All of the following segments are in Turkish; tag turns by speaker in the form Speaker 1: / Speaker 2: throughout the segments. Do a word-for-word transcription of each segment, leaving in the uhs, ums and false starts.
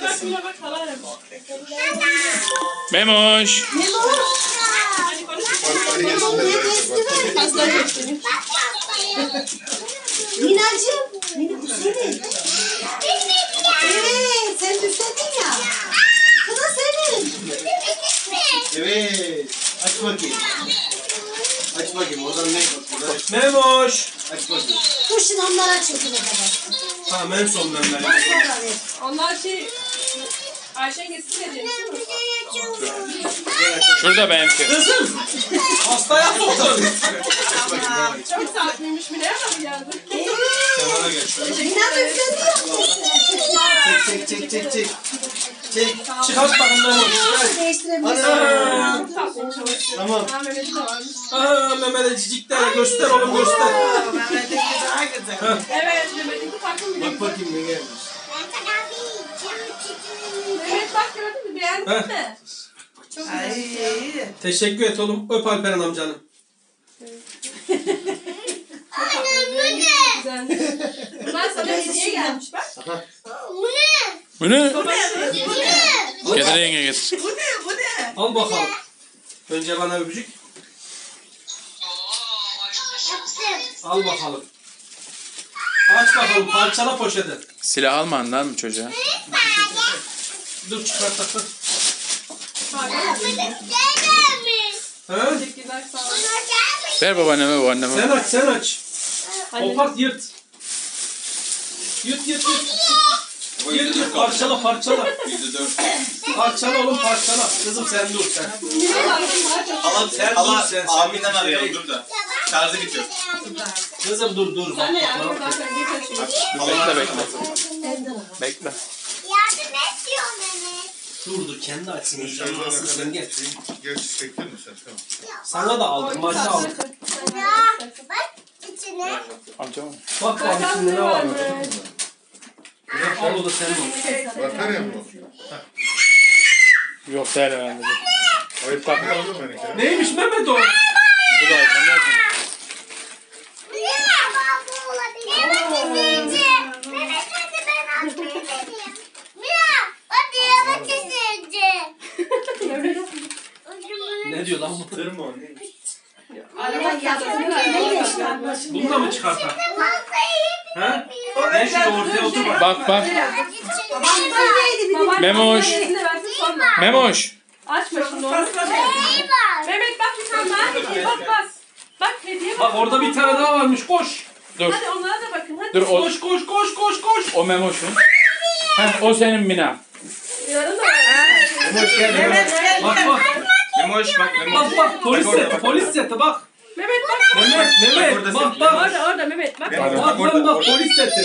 Speaker 1: Memoş.
Speaker 2: Minacığım. Mina bu senin. Evet sen üstledin ya. Bu da senin.
Speaker 3: Evet. Aç bakayım. Aç bakayım. Oradan ne bakıyor?
Speaker 4: Memoş.
Speaker 3: Aç bakayım.
Speaker 2: Dur şimdi onları açıyorsun o kadar.
Speaker 4: Tamam en son ben
Speaker 2: Bak
Speaker 4: vereyim.
Speaker 2: sonra ver.
Speaker 5: Onlar şey... Ayşen geçsin de değil mi?
Speaker 1: Şurada benimki.
Speaker 4: Kızım. Hastaya soktun.
Speaker 5: Çok saatliymiş mi? Nereden geldi?
Speaker 4: Kenara geç.
Speaker 2: Mina da üstledi ya.
Speaker 3: Çek çek çek çek çek. Çek.
Speaker 4: Çıkart bakın Memoş. Gel.
Speaker 2: Değiştirebilirsin.
Speaker 4: Ana.
Speaker 5: Çok tatlıymış ama.
Speaker 3: Tamam.
Speaker 5: Ha Mehmet'i de varmış.
Speaker 4: Aa Mehmet'e cicikler göster oğlum göster.
Speaker 5: Evet Mehmet'inki farklı mı?
Speaker 3: Bak bakayım ne gelmiş.
Speaker 5: Mehmet bak gördün mü? Beğendin
Speaker 4: Heh.
Speaker 5: mi? Çok güzel.
Speaker 4: Teşekkür et oğlum. Öp Alperen amcanı.
Speaker 5: Güzelmiş. Bunlar sana hediye gelmiş bak.
Speaker 1: Bu ne?
Speaker 5: Baba
Speaker 1: Getir yenge getir.
Speaker 4: Al bakalım. Önce bana öpücük. Al bakalım. Aç bakalım. Parçala poşeti.
Speaker 1: Silah alma lan mı çocuğa?
Speaker 4: Dur çıkart takın. Ha?
Speaker 5: teşekkürler sağ olun.
Speaker 1: Ver babaanneme babaanneme.
Speaker 4: Sen aç sen aç.
Speaker 5: Anne.
Speaker 4: Kopart yırt. Yırt yırt yırt. Yırt yırt parçala parçala. Parçala oğlum parçala. Kızım sen dur sen.
Speaker 3: Alan sen
Speaker 4: Dur sen.
Speaker 3: Abinden arayalım dur da. Şarjı bitiyor.
Speaker 4: Kızım dur dur.
Speaker 5: Sen de
Speaker 4: Bak,
Speaker 5: yardım
Speaker 4: bak, bak.
Speaker 5: edersen bir taşıyın.
Speaker 1: Bekle bekle. Bekle.
Speaker 6: Yardım ediyor Mehmet.
Speaker 4: Dur dur kendi açsın. İnşallah asıl sen gel.
Speaker 7: Geç çektin mi sen? Tamam.
Speaker 4: Sana da aldım. Maçı aldım.
Speaker 6: Ya bak içine.
Speaker 1: Amca mı?
Speaker 4: Bak bak içinde ne var? Al o da senin olsun.
Speaker 7: Batarya mı bu?
Speaker 1: Yok değil herhalde.
Speaker 7: Ay takma oğlum benimki.
Speaker 4: Neymiş Mehmet o?
Speaker 1: Bu da iPhone değil mi?
Speaker 6: Ya bu olabilir. Mehmet izleyici. Mehmet hadi ben atmayı deneyeyim. Mira hadi yavaş izleyici.
Speaker 4: Ne diyor lan bu?
Speaker 3: Tır mı o? Neymiş?
Speaker 5: Araba yaptın.
Speaker 4: Bunu da mı çıkartar?
Speaker 6: Masayı
Speaker 4: Ha? Ben şurada ortaya otur bak.
Speaker 1: Bak bak.
Speaker 5: Baban
Speaker 1: Memoş.
Speaker 5: elini versin sonra.
Speaker 1: Memoş.
Speaker 5: Açma şimdi onu.
Speaker 6: neyi var?
Speaker 5: Mehmet bak bir tane daha hediye bak bas. Bak hediye
Speaker 4: Bak
Speaker 5: bak.
Speaker 4: orada bir tane daha varmış koş.
Speaker 1: Dur.
Speaker 5: Hadi onlara da bakın hadi.
Speaker 1: Dur o,
Speaker 4: Koş koş koş koş koş.
Speaker 1: o Memoş'un. Heh, o senin Mina.
Speaker 5: Yarın da
Speaker 3: Memoş gel Memoş.
Speaker 4: Bak bak.
Speaker 3: Memoş bak Memoş.
Speaker 4: Bak bak polis
Speaker 3: Bak orada,
Speaker 4: seti
Speaker 3: bak
Speaker 4: polis
Speaker 3: orada.
Speaker 4: seti bak.
Speaker 5: Mehmet bak.
Speaker 4: Mehmet Mehmet
Speaker 3: orada
Speaker 4: bak
Speaker 3: sen-
Speaker 4: bak.
Speaker 5: Orada orada Mehmet bak.
Speaker 3: Mehmet.
Speaker 4: Bak
Speaker 3: Orada,
Speaker 4: lan bak
Speaker 3: orada.
Speaker 4: polis seti.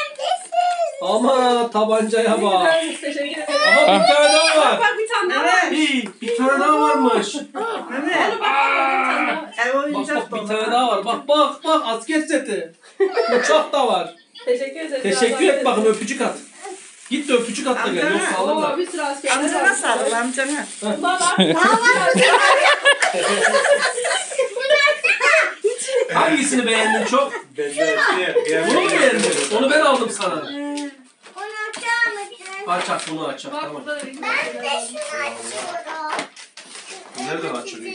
Speaker 4: Ama tabancaya bak.
Speaker 5: Güzelmiş, teşekkür ederim.
Speaker 4: Aha bir tane daha
Speaker 5: Bak
Speaker 4: var.
Speaker 5: bak bir tane daha var.
Speaker 4: İyi bir tane daha varmış.
Speaker 5: Onu bak bak bir tane daha var.
Speaker 4: Bak bak bir tane daha var. Bak bak bak asker seti. Uçak da var.
Speaker 5: Teşekkür ederim.
Speaker 4: Teşekkür et bakın öpücük at. Git de öpücük at da gel yoksa alırlar.
Speaker 5: Oo bir sürü askerler var.
Speaker 8: Amcana sarıl amcana.
Speaker 5: Baba.
Speaker 4: Hangisini beğendin çok?
Speaker 3: Ben de
Speaker 4: Bunu mu beğendin? Onu ben aldım sana.
Speaker 6: Onu açar mısın?
Speaker 4: Aç aç bunu aç aç
Speaker 5: Bak
Speaker 4: tamam.
Speaker 5: burada da bir
Speaker 6: Ben de şunu açıyorum.
Speaker 4: Nereden açılıyor?